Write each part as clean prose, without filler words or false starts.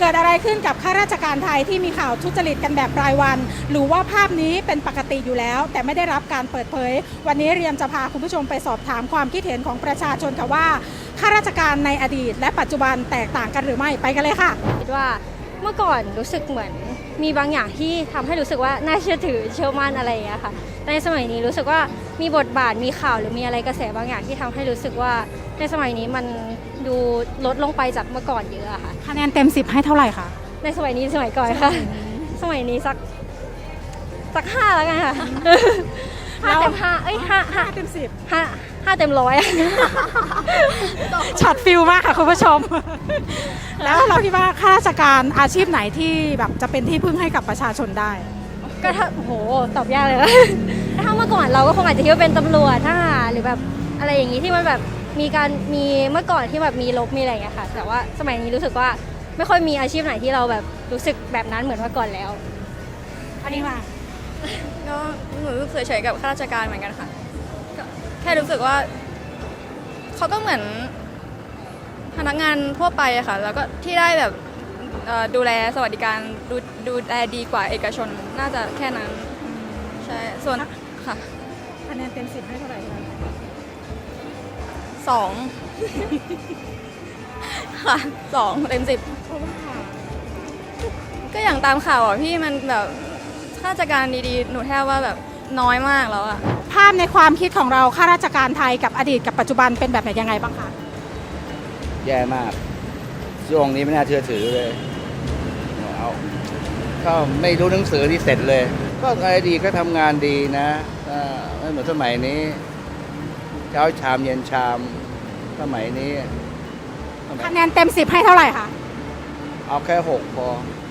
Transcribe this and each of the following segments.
กิดอะไรขึ้นกับข้าราชการไทยที่มีข่าวทุจริตกันแบบรายวันหรือว่าภาพนี้เป็นปกติอยู่แล้วแต่ไม่ได้รับการเปิดเผยวันนี้เรียมจะพาคุณผู้ชมไปสอบถามความคิดเห็นของประชาชนค่ะว่าข้าราชการในอดีตและปัจจุบันแตกต่างกันหรือไม่ไปกันเลยค่ะคิดว่าเมื่อก่อนรู้สึกเหมือนมีบางอย่างที่ทำให้รู้สึกว่าน่าเชื่อถือเชื่อมั่นอะไรอย่างเงี้ยค่ะในสมัยนี้รู้สึกว่ามีบทบาทมีข่าวหรือมีอะไรกระแสบางอย่างที่ทำให้รู้สึกว่าในสมัยนี้มันดูลดลงไปจากเมื่อก่อนเยอะค่ะคะแนนเต็ม10ให้เท่าไหร่คะในสมัยนี้สมัยก่อนค่ะสมัยนี้สัก5แล้วกันค่ะ5 เต็ม 5เอ้ย5 เต็ม 5เต็ม100 ช็อตฟิลมากค่ะคุณผู้ชมแล้วเราคิดว่าข้าราชการอาชีพไหนที่แบบจะเป็นที่พึ่งให้กับประชาชนได้ก็ถ้าโหตอบยากเลยนะถ้าเมื่อก่อนเราก็คงอาจจะคิดว่าเป็นตำรวจทหารหรือแบบอะไรอย่างนี้ที่มันแบบมีเมื่อก่อนที่แบบมีรบมีอะไรอย่างเงี้ยค่ะแต่ว่าสมัยนี้รู้สึกว่าไม่ค่อยมีอาชีพไหนที่เราแบบรู้สึกแบบนั้นเหมือนเมื่อก่อนแล้วอันนี้ว่าก็หนูรู้สึกเฉยๆกับข้าราชการเหมือนกันค่ะแค่รู้สึกว่าเขาก็เหมือนพนักงานทั่วไปอะค่ะแล้วก็ที่ได้แบบดูแลสวัสดิการดูแลดีกว่าเอกชนน่าจะแค่นั้นใช่ส่วนค่ะคะแนนเต็ม10ให้เท่าไหร่คะ 2ค่ะ2 เต็ม 10ก็อย่างตามข่าวอ่ะพี่มันแบบข้าราชการดีๆหนูแทบว่าแบบน้อยมากแล้วอะภาพในความคิดของเราข้าราชการไทยกับอดีตกับปัจจุบันเป็นแบบไหนยังไงบ้างคะแย่มากช่วงนี้ไม่น่าเชื่อถือเลยเอาก็ไม่รู้หนังสือที่เสร็จเลยก็อดีตก็ทำงานดีนะไม่เหมือนสมัยนี้เช้าชามเย็นชามสมัยนี้คะแนนเต็ม10ให้เท่าไหร่คะเอาแค่6พอ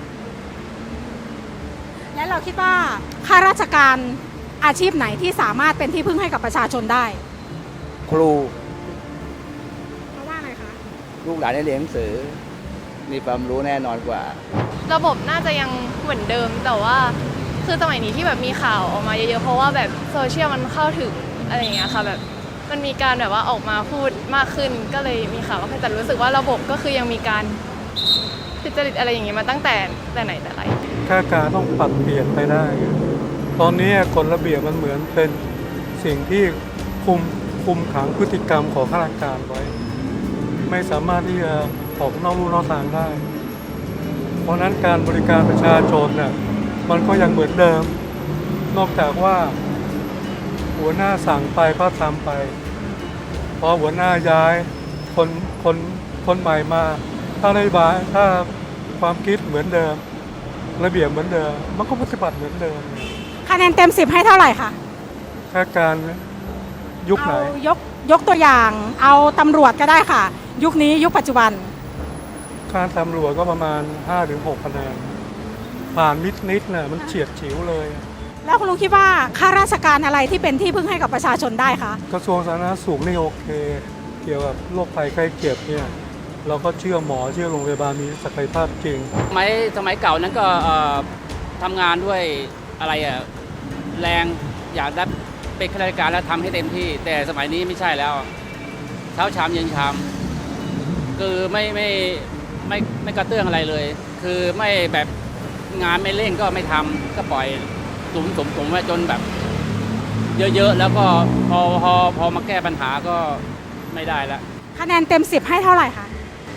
และเราคิดว่าข้าราชการอาชีพไหนที่สามารถเป็นที่พึ่งให้กับประชาชนได้ครูเพราะว่าอะไรคะลูกหลานได้เรียนหนังสือมีความรู้แน่นอนกว่าระบบน่าจะยังเหมือนเดิมแต่ว่าคือสมัยนี้ที่แบบมีข่าวออกมาเยอะๆเพราะว่าแบบโซเชียลมันเข้าถึงอะไรอย่างเงี้ยค่ะแบบมันมีการแบบว่าออกมาพูดมากขึ้นก็เลยมีข่าวว่าแต่รู้สึกว่าระบบก็คือยังมีการทุจริตอะไรอย่างเงี้ยมาตั้งแต่ไหนแต่ไรข้าราชการต้องปรับเปลี่ยนไปได้ตอนนี้กฎระเบียบมันเหมือนเป็นสิ่งที่คุมขังพฤติกรรมของข้าราชการไว้ไม่สามารถที่จะออกนอกลู่นอกทางได้เพราะนั้นการบริการประชาชนเนี่ยมันก็ยังเหมือนเดิมนอกจากว่าหัวหน้าสั่งไปก็ทำไปพอหัวหน้าย้ายคนใหม่มาถ้าความคิดเหมือนเดิมระเบียบเหมือนเดิมมันก็ปฏิบัติเหมือนเดิมคะแนนเต็ม10ให้เท่าไหร่คะข้าราชการยุคไหนยกตัวอย่างเอาตำรวจก็ได้ค่ะยุคนี้ยุคปัจจุบันการตำรวจก็ประมาณ 5-6 คะแนนผ่านนิดๆน่ะมันเฉียดฉิวเลยแล้วคุณลุงคิดว่าข้าราชการอะไรที่เป็นที่พึ่งให้กับประชาชนได้คะกระทรวงสาธารณสุขนี่โอเคเกี่ยวกับโรคภัยไข้เจ็บเนี่ยเราก็เชื่อหมอเชื่อโรงพยาบาลมีศักยภาพจริงสมัยเก่านั้นก็ทำงานด้วยอะไรแรงอยากได้เป็นข้าราชการแล้วทำให้เต็มที่แต่สมัยนี้ไม่ใช่แล้วเช้าชามเย็นชามคือไม่กระเตื้องอะไรเลยคือไม่แบบงานไม่เร่งก็ไม่ทำก็ปล่อยสมไว้จนแบบเยอะๆแล้วก็พอมาแก้ปัญหาก็ไม่ได้แล้วคะแนนเต็ม10ให้เท่าไหร่คะ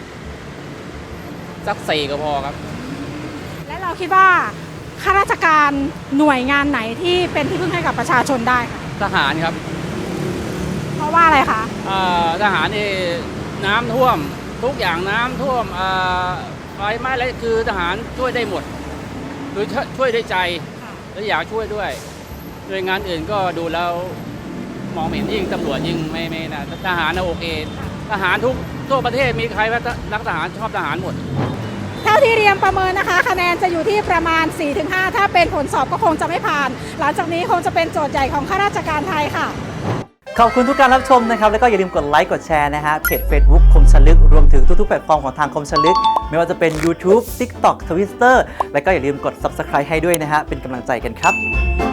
สัก4ก็พอครับและเราคิดว่าข้าราชการหน่วยงานไหนที่เป็นที่พึ่งให้กับประชาชนได้คะทหารครับเพราะว่าอะไรคะทหารนี่น้ำท่วมทุกอย่างน้ำท่วมไฟไหม้อะไรคือทหารช่วยได้หมดคือช่วยได้ใจและอยากช่วยด้วยหน่วยงานอื่นก็ดูแล้วมองเห็นยิ่งตำรวจยิ่งไม่นะทหารนะโอเคทหารทั่วประเทศมีใครว่ารักทหารชอบทหารหมดเท่าที่เรียมประเมินนะคะคะแนนจะอยู่ที่ประมาณ 4-5 ถ้าเป็นผลสอบก็คงจะไม่ผ่านหลังจากนี้คงจะเป็นโจทย์ใหญ่ของข้าราชการไทยค่ะขอบคุณทุกการรับชมนะครับแล้วก็อย่าลืมกดไลค์กดแชร์นะฮะเพจ Facebook คมชลึกรวมถึงทุกๆแพลตฟอร์มของทางคมชลึกไม่ว่าจะเป็น YouTube TikTok Twitter แล้วก็อย่าลืมกด Subscribe ให้ด้วยนะฮะเป็นกำลังใจกันครับ